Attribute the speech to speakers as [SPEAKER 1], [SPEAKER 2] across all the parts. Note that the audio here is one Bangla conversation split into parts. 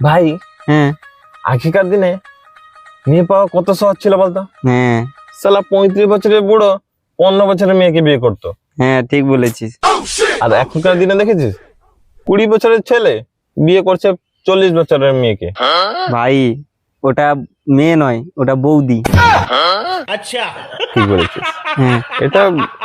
[SPEAKER 1] ভাই
[SPEAKER 2] হ্যাঁ
[SPEAKER 1] আগেকার দিনে মেয়ে পাওয়া কত সহজ ছিল বলতো?
[SPEAKER 2] হ্যাঁ
[SPEAKER 1] সালা 35 বছরের বুড়ো 15 বছরের মেয়েকে বিয়ে করতো।
[SPEAKER 2] হ্যাঁ ঠিক বলেছিস।
[SPEAKER 1] আর এখনকার দিনে দেখেছিস 20 বছরের ছেলে বিয়ে করছে 40 বছরের মেয়েকে।
[SPEAKER 2] ভাই ওটা মেয়ে নয়, ওটা বৌদি।
[SPEAKER 1] ঠিক বলেছিস।
[SPEAKER 2] হ্যাঁ
[SPEAKER 1] এটা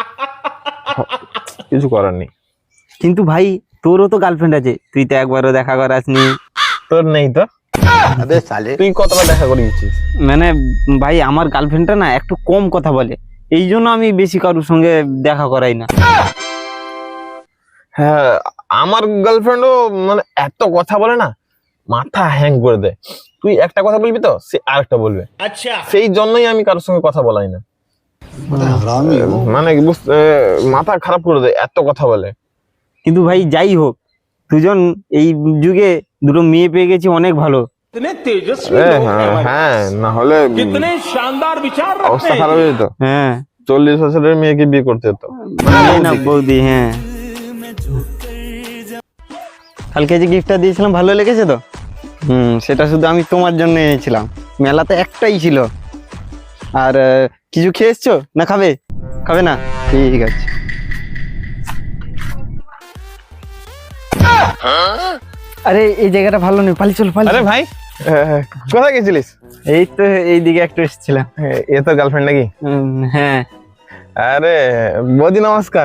[SPEAKER 1] কিছু করার নেই।
[SPEAKER 2] কিন্তু ভাই তোরও তো গার্লফ্রেন্ড আছে, তুই তো একবারও দেখা করাসনি।
[SPEAKER 1] তোর নেই তো? তুই কতবার দেখা করিয়েছিস?
[SPEAKER 2] মানে ভাই আমার গার্লফ্রেন্ডটা না একটু কম কথা বলে, এই জন্য আমি বেশি কারোর সঙ্গে দেখা করাই না।
[SPEAKER 1] হ্যাঁ, আমার গার্লফ্রেন্ডও মানে এত কথা বলে না, মাথা হ্যাং করে দেয়। তুই একটা কথা বলবি তো সে আরেকটা বলবে। আচ্ছা, সেই জন্যই আমি কারোর সঙ্গে কথা বলাই না। মানে মাথা খারাপ করে দেয়, এত কথা বলে।
[SPEAKER 2] কিন্তু ভাই যাই হোক, দুজন এই যুগে দুটো মেয়ে পেয়ে গেছি, অনেক ভালো।
[SPEAKER 1] হ্যাঁ, না হলে অবস্থা খারাপ হয়ে যেত।
[SPEAKER 2] হ্যাঁ
[SPEAKER 1] 40 বছরের মেয়েকে বিয়ে করতে হতো
[SPEAKER 2] না বৌদি। হ্যাঁ কালকে যে গিফটটা দিয়েছিলাম ভালো লেগেছে তো? সেটা শুধু আমি তোমার জন্য এনেছিলাম, মেলাতে একটাই ছিল। আর কিছু খেয়ে এসছো না? খাবে? খাবে না? ঠিক আছে। আরে এই জায়গাটা ভালো নেই, পালিয়ে চল পালিয়ে।
[SPEAKER 1] আরে ভাই কোথায় গেছিলিস?
[SPEAKER 2] এই তো এইদিকে একটু এসেছিলাম।
[SPEAKER 1] এ তো গার্লফ্রেন্ড নাকি?
[SPEAKER 2] হ্যাঁ।
[SPEAKER 1] আরে বৌদি নমস্কার।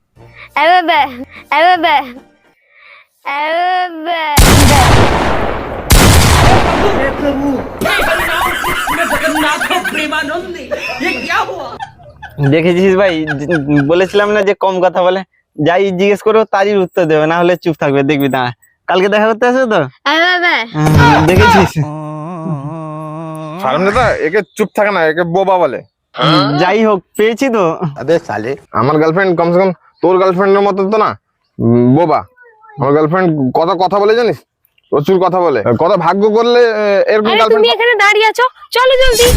[SPEAKER 2] দেখেছিস ভাই, বলেছিলাম না যে কম কথা বলে, যাই জিজ্ঞেস করো তারই উত্তর দেবে, না হলে চুপ থাকবে। দেখবি না কালকে দেখা করতে আসবে তো? দেখেছিস?
[SPEAKER 1] একে চুপ থাকে না, একে বোবা বলে।
[SPEAKER 2] যাই হোক পেয়েছি তো।
[SPEAKER 1] আমার গার্লফ্রেন্ড কমসে কম তোর গার্লফ্রেন্ডের মতো তো না বোবা। আমার গার্লফ্রেন্ড কত কথা বলে জানিস? প্রচুর কথা বলে। কত ভাগ্য করলে এরকম গার্লফ্রেন্ড।
[SPEAKER 3] তুমি এখানে দাঁড়িয়ে আছো, চলো জলদি।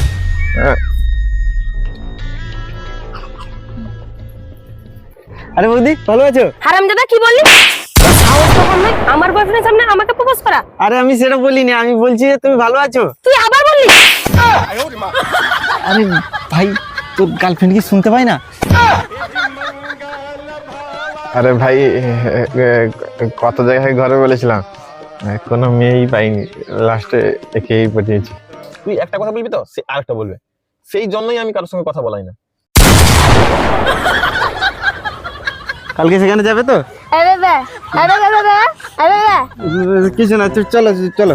[SPEAKER 2] আরে বৌদি ভালো আছো?
[SPEAKER 3] হারামজাদা কি বললি? সাহস তো কম নয় আমার বয়ফ্রেন্ডের সামনে আমাকে প্রপোজ করা।
[SPEAKER 2] আরে আমি সেটা বলিনি, আমি বলছি যে তুমি ভালো আছো।
[SPEAKER 3] তুই আবার বললি?
[SPEAKER 2] আরে ভাই তোর গার্লফ্রেন্ড কি শুনতে পায় না?
[SPEAKER 1] আরে ভাই কত জায়গায় ঘরে বলেছিলাম, কোনো মেয়েই পাইনি, লাস্টে একেই পাঠিয়েছি। তুই একটা কথা বলবি তো সে আরেকটা বলবে, সেই জন্যই আমি কারোর সঙ্গে কথা বলাই না।
[SPEAKER 2] কালকে সেখানে যাবে তো? কিছু না, চলো চলো।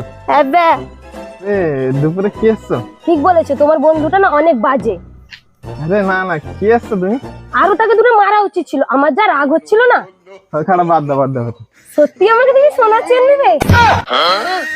[SPEAKER 1] দুপুরে কি এসছো?
[SPEAKER 3] ঠিক বলেছো, তোমার বন্ধুটা না অনেক বাজে।
[SPEAKER 1] আরে না না, কি এসছো তুমি?
[SPEAKER 3] আরো তাকে দুটো মারা উচিত ছিল, আমার যা রাগ হচ্ছিল না।
[SPEAKER 1] খারাপ, বাদ দাও।
[SPEAKER 3] সত্যি আমাকে তুমি সোনা চেন নেবে?